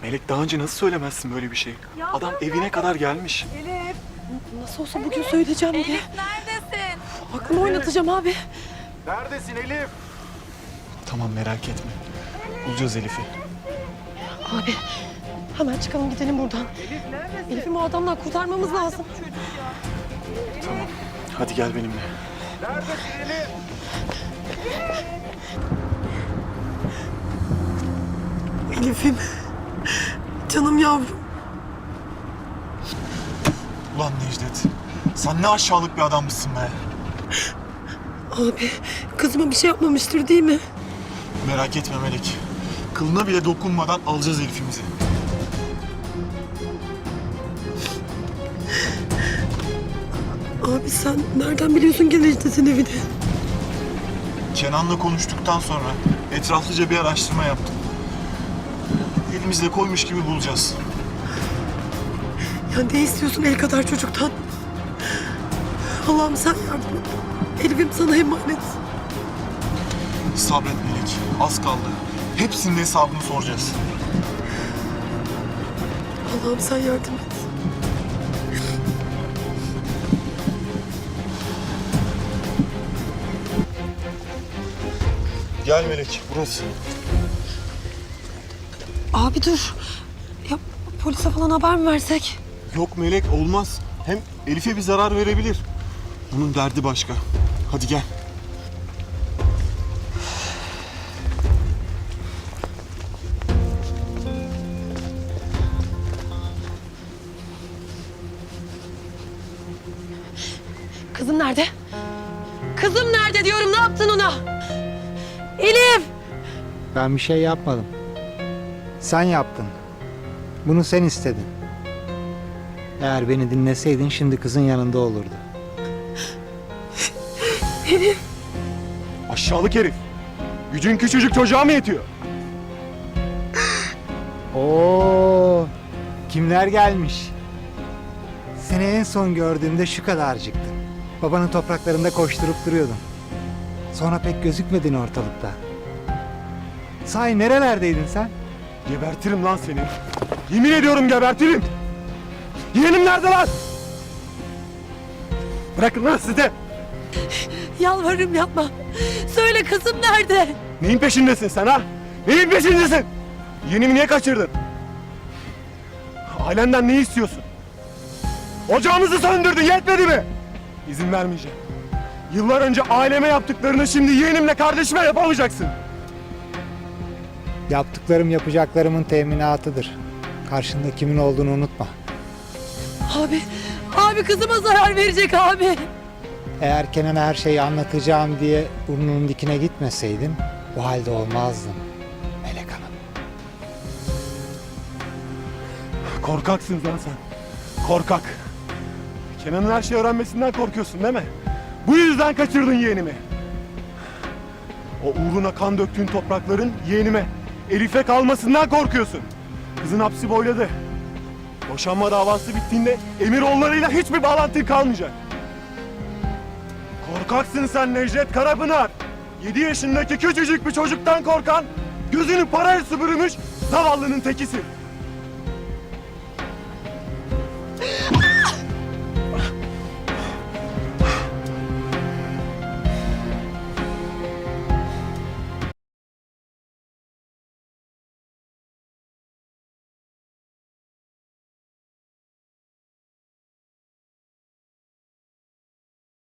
Melek daha önce nasıl söylemezsin böyle bir şey? Ya Adam ben evine kadar gelmiş. Elif. Nasıl olsa bugün söyleyeceğim diye. Elif neredesin? Aklımı oynatacağım abi. Neredesin Elif? Tamam merak etme. Bulacağız Elif'i. Abi hemen çıkalım gidelim buradan. Elif'i o adamdan kurtarmamız lazım. Tamam. Hadi gel benimle. Elif'im. Canım yavrum. Ulan Necdet. Sen ne aşağılık bir adammışsın be. Abi kızıma bir şey yapmamıştır değil mi? Merak etme Melek. Kılına bile dokunmadan alacağız Elif'imizi. Abi sen nereden biliyorsun ki Necdet'in evini? Kenan'la konuştuktan sonra etraflıca bir araştırma yaptım. Elimizde koymuş gibi bulacağız. Ya ne istiyorsun el kadar çocuktan? Allah'ım sen yardım et. Elif'im sana emanet. Sabret Melek. Az kaldı. Hepsinin hesabını soracağız. Allah'ım sen yardım et. Gel Melek. Burası. Abi dur. Ya polise falan haber mi versek? Yok Melek olmaz. Hem Elif'e bir zarar verebilir. Onun derdi başka. Hadi gel. Kızım nerede? Kızım nerede diyorum, ne yaptın ona? Elif! Ben bir şey yapmadım. Sen yaptın. Bunu sen istedin. Eğer beni dinleseydin şimdi kızın yanında olurdu. Elif! Aşağılık herif. Gücün küçücük çocuğa mı yetiyor? Oo, kimler gelmiş? Seni en son gördüğümde şu kadarcıktın. Babanın topraklarında koşturup duruyordun. Sonra pek gözükmedin ortalıkta. Sahi nerelerdeydin sen? Gebertirim lan seni. Yemin ediyorum gebertirim. Yeğenim nerede lan? Bırakın lan sizi. Yalvarırım yapma. Söyle kızım nerede? Neyin peşindesin sen ha? Neyin peşindesin? Yeğenimi niye kaçırdın? Ailenden ne istiyorsun? Ocağımızı söndürdün, yetmedi mi? İzin vermeyeceğim. Yıllar önce aileme yaptıklarını şimdi yeğenimle kardeşime yapamayacaksın. Yaptıklarım yapacaklarımın teminatıdır. Karşında kimin olduğunu unutma. Abi kızıma zarar verecek abi. Eğer Kenan'a her şeyi anlatacağım diye burnunun dikine gitmeseydin bu halde olmazdın Melek Hanım. Korkaksın lan sen. Korkak. Kenan'ın her şeyi öğrenmesinden korkuyorsun değil mi? Bu yüzden kaçırdın yeğenimi. O uğruna kan döktüğün toprakların yeğenime, Elif'e kalmasından korkuyorsun. Kızın hapsi boyladı. Boşanma davası bittiğinde Emiroğulları'yla hiçbir bağlantın kalmayacak. Korkaksın sen Necdet Karapınar. 7 yaşındaki küçücük bir çocuktan korkan, gözünü paraya sübürmüş zavallının tekisin.